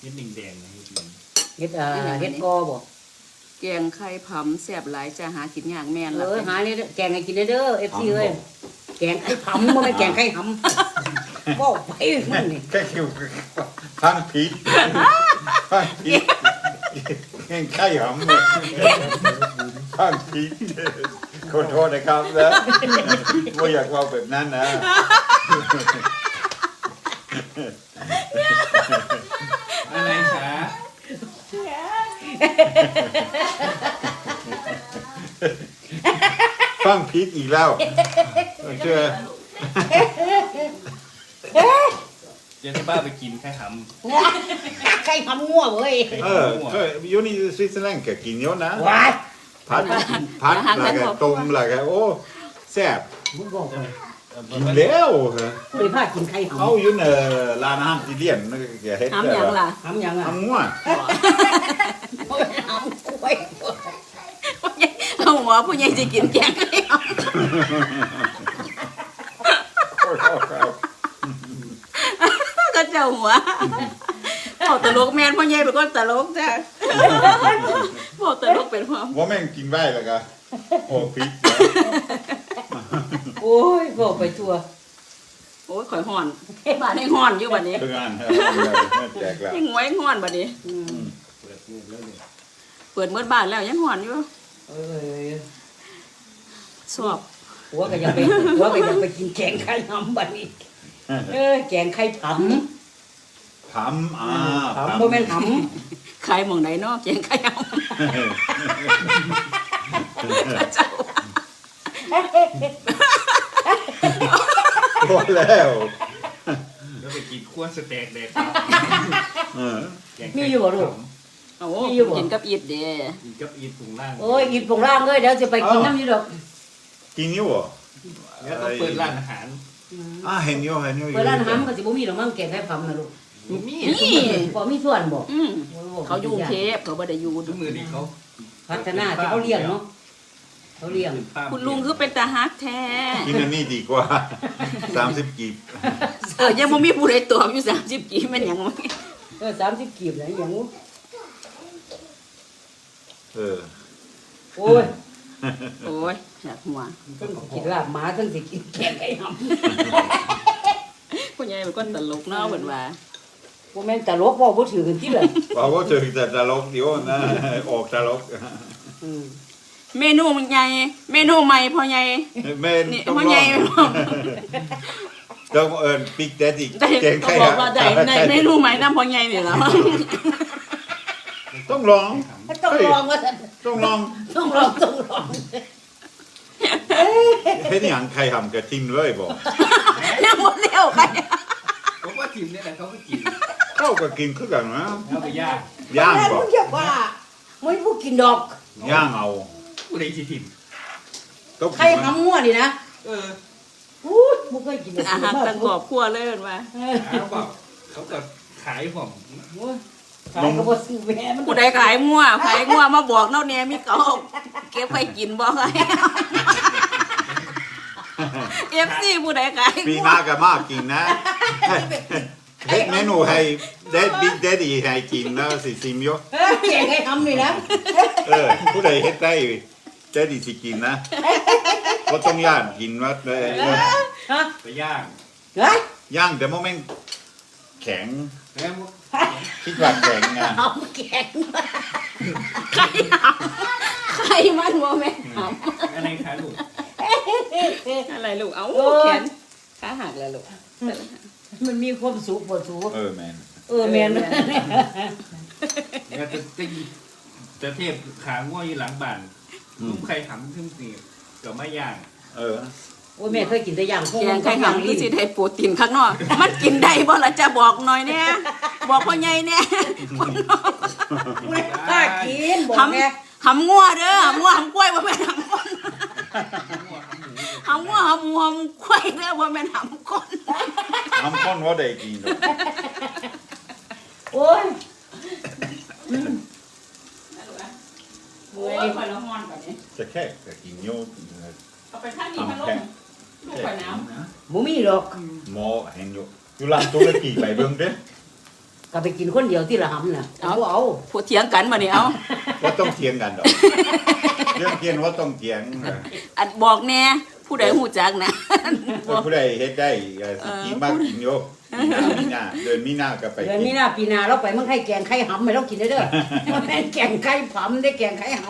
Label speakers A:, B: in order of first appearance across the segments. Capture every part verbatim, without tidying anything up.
A: เฮ็ดแดงๆนะเฮ็ดหนึ่ง
B: เฮ็ดอ่าเฮ็ดกอบ่
C: แกงไข่ผำแซ่บหลายจะหากินยากแม่น
B: เอ
C: ล่ะ
B: อหานี่แกงให้กินเด้อ เอฟ ซี เอ้ยแกงไข่ผำบ่แม่นแกงไข่หำบ่ไปมันนี่
D: แค่คิวฟังผิดฟังผิดแค่ไข่หอมเลยฟังผิดขอโทษนะครับนะไม่อยากว่าแบบนั้นนะ
A: อะไรคะ
D: ฟังผิดอีกแล้วเชื่อ
A: เดี๋ยวให้ป้าไปกินแค่ห
B: ไข่หำงัวเว้ย
D: เออเคยอยู่นี่สวิตเซอร์แลนด์ก็กินเยอะนะ
B: ว้าย
D: พัดพัดแล้วก็ต้มแล้วก็โอ้แซ่บ
B: มึงบอกเลย
A: ำ
D: กินแล้วเหรอ
B: บ่ได้พากินไข่หำ
D: เอาอยู่ในร้านอาหารอิตาเลียนนั่นก็เฮ็ด
C: หำหยังล่ะ
B: หำหยังอ่ะ
D: ทำงัว
B: หำกล้วย
C: เอาหัวผู้ใหญ่สิกินแกงไข่หำก็เจ้าหัวเอาตลกแม่นผู้ใหญ่เป็นคนตลกจ้ะบอกตลกเป็นความ
D: ว่าแม่งกินไว้แล้วก็โอ้พริก
B: โอ้ยบอกไปทั่ว
C: โอ้ยข่อยฮ้อนบ้านให้ฮ้อนอยู่บัดนี้
D: เพื่อนแจกแล้ว
C: ยังงวยฮ้อนบัดนี้
B: อืม
A: เปิดมือแล้วเนี่ย
C: เปิดเมื่อบ้านแล้วยังฮ้อนอยู่
B: เอ้ย
C: สอบ
B: หัวก็ยังไปหัวก็ยังไปกินแกงไข่หำบัดนี้เออแกงไข่ผำ
D: ผำอ่า
B: ผำบ่แม่นห
C: ใครหมองไหนเนาะแกงไข่หำเจ้า
D: พอแล้ว
A: แล้วไปกินขั้วสเต็กแดงครับ
D: เออ
A: แกง
B: ำมีอยู่บ่ลูก
C: โอ้กินกับอีดเด้
A: กินกับอีถุงล่าง
B: โอ้ยอีปงล่างเลยเดี๋ยวจะไปกินน้ำอยู่ดอก
D: กินอยู่เหรอ
A: แล้วก็เปิดร้านอาหาร
D: อ่าเห็นอยู่เห็นอยู่
B: เปิดร้านอาหารมันก็สิบ่มีดอกมั้งแกงไข่ผำนะลูก
A: มี
C: นี่
B: บ่มีส่วนบ่
C: อืมเขาอยู่กรุงเทพเขาบ่ได้อยู่
A: ทุกมือนี่เขา
B: พัฒนาที่เขาเลี้ยงเนาะเขาเลี้ยง
C: คุณลุงคือเป็นตาฮักแท้
D: กินอันนี้ดีกว่าสามสิบกีบ
C: เออยังบ่มีผู้ใดตอบอยู่สามสิบกี่แม่นหยังวะ
B: เออสามสิบกีบนะอย่างงู
D: เออ
B: โอ้ย
C: โอ้ยอยากหัว
B: ทั้งสิกินลาบหมาทั้งสิกินแกงไข่ห
C: ผู้ใหญ่เป็นคนตลกเนาะเหมือนว่า
B: ำบ่แม่นตลกบ่บ่ถือกันที่เลย
D: บอกว่าเจอแต่ตลกเดียวนะออกตลก
B: อืม
C: เมนูมันใหญ่เมนูใหม่พ่อใหญ่
D: แม่
C: นี่
D: ต้อง
C: พ่อ
D: ล
C: ให
D: อ
C: ญ่
D: งต้องเอิญปิกแดดอีก
C: ได้
D: เกง
C: ต้อ
D: ไข่
C: งบอกว่าได้ในเมนูใหม่นำพ่อใหญ่นี่ล่ะ
D: ต้องลอง
B: ต้องลองว่าซั่น
D: ต้องลอง
B: ต้องลองต้องลอง
D: เฮ็ดอย่างใครทำกระทิมเลยบอก
C: ยังบ่เร็วใคร
A: ผมว่าทีมเนี่ยแหละเขาก็กิน
D: เข้าก็กินคือกันนะ
A: แล้วไปย่าง
D: ย่าง
B: แล้ว
D: บอ
B: มึ
D: ก
B: งอย่าว่ามึงบ่กินดอก
D: ย่างเอา
A: ผู้ใดสิทีม
D: ต้อง
B: ไข่หำงัวนี่นะ
A: เออ
B: อู้ยบ่เคยกิน
C: อาหารตั้งครอบครัวเลยเหมือนว่า
B: เออ
A: เขาบอกเขาก็ขายผม
B: โอ้ยขายก็บ่ซื้อแม่มัน
C: ผู้ใดขายงัวขายงัวมาบอกเนาะแน่มีเก่าเก็บไว้กินบ่ไง เอฟซีผู้ใดขาย
D: ปีหน้าก็มากินนะเฮ็ดเมนูให้เด็ดบิ๊กเด็ดอีให้กินนะสิซิมโย
B: เอ้ยแกงไข่หำนี่นะ
D: เออผู้ใดเฮ็ดได้เด็ดอีสิกินนะก็ต้องย่างกินว่าเออ
B: ฮะ
A: ไปย่าง
B: เฮ้ย
D: ย่างแต่โมเมนต์แข็ง
A: แล้ว
D: คิดว่าแข็งไง
B: หำแกง
C: ไข่หำไข่มันบ่แม่นห
A: อะไรคะลูก
C: ำอะไรลูกเอ้าแขนขาหักแล้วลูก
B: มันมีความสุขบ่สุข
D: เออแมน
B: เออแม่น
A: แล้วจะจะจะเทพขาง่วอยู่หลังบ้านลุงใครทำขึ้นสิก็ไม่ย่าง
D: เออ
B: โอ้ยแม่เคยกินแต่ย่างพวก
C: แก
B: มั
C: ง
B: น
C: ไข่
B: ย่าง
C: หำคื
B: ลิ้
C: อน สิได้โปรตีนข้างนอกมันกินได้บ่ล่ะจะบอกหน่อยแน่บอกพ่อใหญ่แน่
B: ไม่กล้ากินบอก
C: ห
B: แม่
C: ำหำงัวเด้อหำงัวหำกล้วยบ่แม่นหำคนหำงัวหำหมูหำกล้วยเด้อบ่แม่นหำคน
D: ทำข้นว่าได้กินหรอก
B: โอ้ย
C: โอ้ยข่อยละฮ้อนกว่านี้
D: จะแค่จะกินโยก
C: เอาไปข้างนี้พัดลมลูกข่อยหนาว
B: บ่มีหรอก
D: หมอเห็นอยู่อยู่ร้านตุรกีไปเบิ่งเด้
B: ก็ไปกินคนเดียวที่ละหำน่ะเอาเอา
C: ผู้เถียงกันมาเนี่ยเอา
D: ว่าต้องเถียงกันดอกเรื่องเทียนว่าต้องเถียงนะ
C: อันบอกแน่ผู้ใดหูจักนะบอก
D: ผู้ใดเฮ็ดได้ก็สิกินมากกินโยมีหน้ามีหน้าเดินมีหน้าก็ไป
B: เดือน
D: กิ
B: นี้
D: น
B: นะปีหนาเราไปเมืองไข่แกงไข่หำไม่ต้องกินได้เด้อมันแม่นแกงไข่ผำได้แกงไข่ห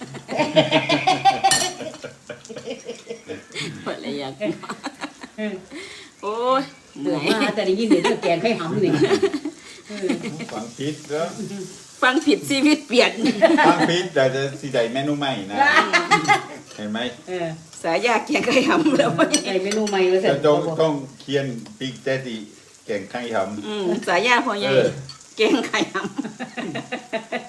C: เปิดอะไรอย่าง
B: ำ
C: โอ้ย
B: เดือดมาแต่ได้ยินเดี๋ยวแกงไข่หำนี่
D: ฟังพิษแล้ว
C: ฟังผิดชีวิตเปลี่ยน
D: ฟังพิษแต่จะสิได้เมนูใหม่นะเห็นไหม
B: เออ
C: สายยาแกงไก่หำแล้วพ่อใหญ่
B: ใส่เมนูใหม่เลยเสร็
D: จะ
B: จ
D: ต้องต้องเขียนปิกแต่ดิแก่งไข่ห
C: อืมสายยาพ่อ
D: ำ
C: ใหญ่
D: เออ
C: แกงไก่หำ